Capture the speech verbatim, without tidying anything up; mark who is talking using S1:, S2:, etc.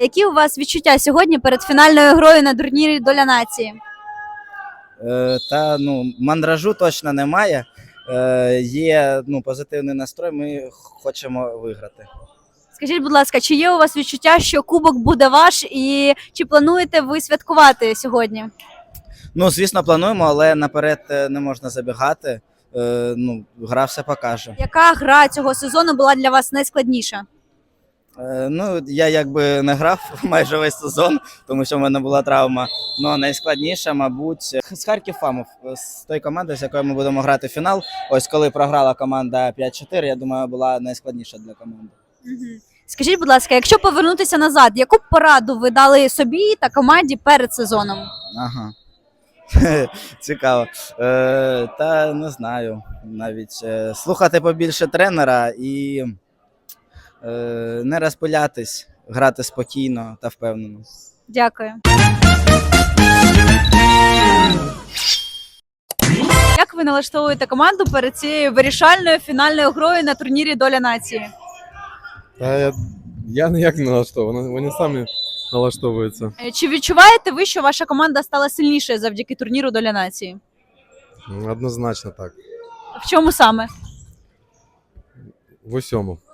S1: які у вас відчуття сьогодні перед фінальною грою на турнірі «Доля нації»?
S2: Е, та ну, мандражу точно немає. Е, є ну, позитивний настрой, ми хочемо виграти.
S1: Скажіть, будь ласка, чи є у вас відчуття, що кубок буде ваш, і чи плануєте ви святкувати сьогодні?
S2: Ну, звісно, плануємо, але наперед е, не можна забігати. Е, ну, гра все покаже.
S1: Яка гра цього сезону була для вас найскладніша?
S2: Е, ну, я якби не грав майже весь сезон, тому що в мене була травма. Ну, найскладніше, мабуть, з Харків Фамов, з тої команди, з якою ми будемо грати фінал. Ось коли програла команда п'ять чотири, я думаю, була найскладніша для команди.
S1: Угу. Скажіть, будь ласка, якщо повернутися назад, яку б пораду ви дали собі та команді перед сезоном?
S2: Ага. Цікаво. Е, та не знаю навіть. Е, слухати побільше тренера і е, не розпилятись, грати спокійно та впевнено.
S1: Дякую. Як ви налаштовуєте команду перед цією вирішальною фінальною грою на турнірі «Доля нації»?
S3: Та я, я ніяк не налаштований, вони самі налаштовуються.
S1: Е, Чи відчуваєте ви, що ваша команда стала сильнішою завдяки турніру «Доля нації»?
S3: Однозначно так.
S1: В чому саме?
S3: В усьому.